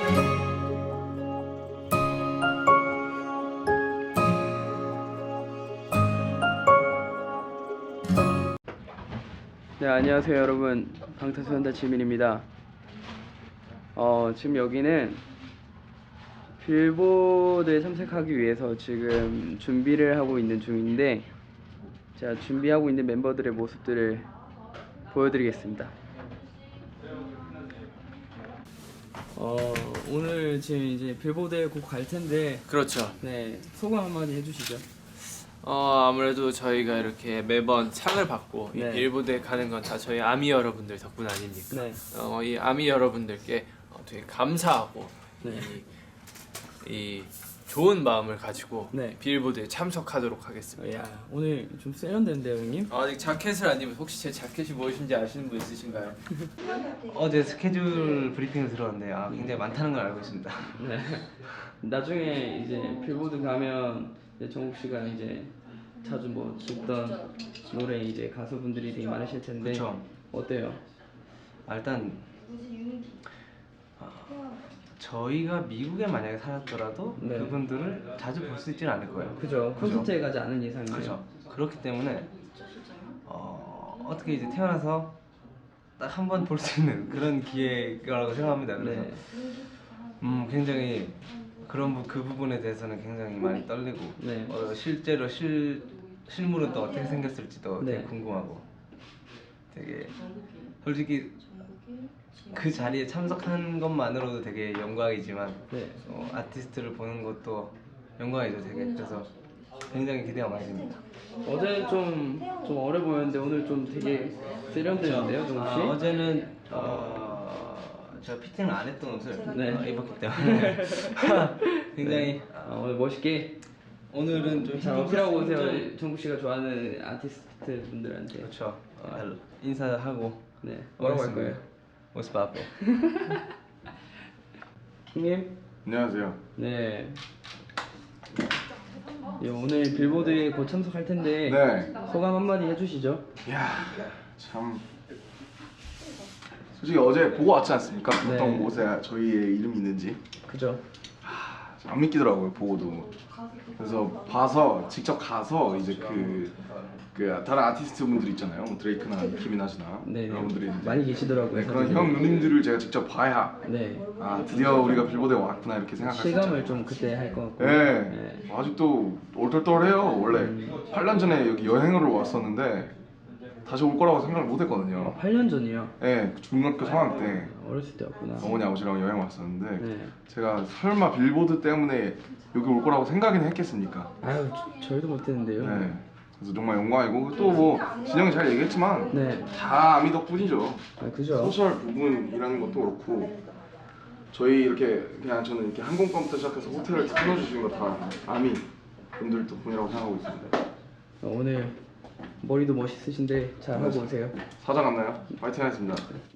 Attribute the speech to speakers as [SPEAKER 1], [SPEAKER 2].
[SPEAKER 1] 네, 안녕하세요 여러분, 방탄소년단 지민입니다. 지금 여기는 빌보드에 참석하기 위해서 지금 준비를 하고 있는 중인데, 제가 준비하고 있는 멤버들의 모습들을 보여드리겠습니다. 오늘 지금 이제 빌보드에 곧 갈 텐데,
[SPEAKER 2] 그렇죠.
[SPEAKER 1] 네, 소감 한마디 해주시죠.
[SPEAKER 2] 아무래도 저희가 이렇게 매번 상을 받고
[SPEAKER 1] 네.
[SPEAKER 2] 이 빌보드에 가는 건 다 저희 아미 여러분들 덕분 아닙니까?
[SPEAKER 1] 네.
[SPEAKER 2] 이 아미 여러분들께 되게 감사하고
[SPEAKER 1] 네.
[SPEAKER 2] 이 좋은 마음을 가지고
[SPEAKER 1] 네.
[SPEAKER 2] 빌보드에 참석하도록 하겠습니다.
[SPEAKER 1] 야, 오늘 좀 세련된데요, 형님?
[SPEAKER 2] 아직 자켓을 안 입어서 혹시 제 자켓이 무엇인지 아시는 분 있으신가요?
[SPEAKER 3] 어제 스케줄 브리핑을 들었는데 굉장히 많다는 걸 알고 있습니다.
[SPEAKER 1] 네. 나중에 이제 빌보드 가면 이제 정국 씨가 이제 자주 뭐 듣던 노래 이제 가수분들이 되게 많으실 텐데,
[SPEAKER 3] 그쵸.
[SPEAKER 1] 어때요?
[SPEAKER 3] 일단 저희가 미국에 만약에 살았더라도
[SPEAKER 1] 네.
[SPEAKER 3] 그분들을 자주 볼 수 있지는 않을 거예요.
[SPEAKER 1] 그죠. 콘서트에 가지 않은 이상은.
[SPEAKER 3] 그죠. 그렇기 때문에 어떻게 이제 태어나서 딱 한 번 볼 수 있는 그런 기회라고 생각합니다. 그래서
[SPEAKER 1] 네.
[SPEAKER 3] 굉장히 그 부분에 대해서는 굉장히 많이 떨리고,
[SPEAKER 1] 네.
[SPEAKER 3] 실제로 실물은 또 어떻게 생겼을지도 되게
[SPEAKER 1] 네.
[SPEAKER 3] 궁금하고, 되게 솔직히 그 자리에 참석한 것만으로도 되게 영광이지만
[SPEAKER 1] 네.
[SPEAKER 3] 아티스트를 보는 것도 영광이죠 되게. 그래서 굉장히 기대가 많이 됩니다.
[SPEAKER 1] 어제는 좀 어려 보였는데 오늘 좀 되게 세련되는데요, 정국 씨?
[SPEAKER 3] 어제는 제가 피팅을 안 했던 옷을
[SPEAKER 1] 네.
[SPEAKER 3] 입었기 때문에 굉장히
[SPEAKER 1] 오늘 멋있게
[SPEAKER 3] 오늘은 좀
[SPEAKER 1] 잘 어필하고 오세요. 정국 씨가 좋아하는 아티스트 분들한테.
[SPEAKER 3] 그렇죠. 인사하고.
[SPEAKER 1] 네. 뭐라고 할 거예요?
[SPEAKER 3] 모습 앞에.
[SPEAKER 1] 형님?
[SPEAKER 4] 안녕하세요.
[SPEAKER 1] 네. 예, 오늘 빌보드에 곧 참석할 텐데,
[SPEAKER 4] 네.
[SPEAKER 1] 소감 한마디 해주시죠.
[SPEAKER 4] 이야, 참 솔직히 어제 보고 왔지 않습니까?
[SPEAKER 1] 네.
[SPEAKER 4] 어떤 곳에 저희의 이름이 있는지
[SPEAKER 1] 그죠?
[SPEAKER 4] 안 믿기더라고요, 보고도. 그래서 직접 가서 이제 그 다른 아티스트 분들 있잖아요, 뭐 드레이크나 키미나시나
[SPEAKER 1] 네.
[SPEAKER 4] 이런 분들이 이제
[SPEAKER 1] 많이 계시더라고요.
[SPEAKER 4] 네, 그런
[SPEAKER 1] 사진이.
[SPEAKER 4] 형 누님들을 제가 직접 봐야
[SPEAKER 1] 네.
[SPEAKER 4] 드디어 우리가 빌보드에 왔구나 이렇게 생각할 수
[SPEAKER 1] 실감을
[SPEAKER 4] 있죠.
[SPEAKER 1] 좀 그때 할 것 같고.
[SPEAKER 4] 네. 아직도 얼떨떨해요. 원래 8년 전에 여기 여행으로 왔었는데 다시 올 거라고 생각을 못 했거든요.
[SPEAKER 1] 8년 전이요.
[SPEAKER 4] 네, 중학교 3학년 때
[SPEAKER 1] 어렸을 때였구나.
[SPEAKER 4] 어머니 아버지랑 여행 왔었는데
[SPEAKER 1] 네.
[SPEAKER 4] 제가 설마 빌보드 때문에 여기 올 거라고 생각이나 했겠습니까?
[SPEAKER 1] 아유, 저희도 못했는데요.
[SPEAKER 4] 네. 그래서 정말 영광이고, 또 뭐 진영이 잘 얘기했지만
[SPEAKER 1] 네.
[SPEAKER 4] 다 아미 덕분이죠.
[SPEAKER 1] 그죠.
[SPEAKER 4] 소셜 부분이라는 것도 그렇고, 저희 이렇게 그냥 저는 이렇게 항공권부터 시작해서 호텔을 끊어주시는 거 다 아미 분들 덕분이라고 생각하고 있습니다.
[SPEAKER 1] 오늘 머리도 멋있으신데 잘 하고 오세요.
[SPEAKER 4] 사장 같나요? 파이팅 하겠습니다.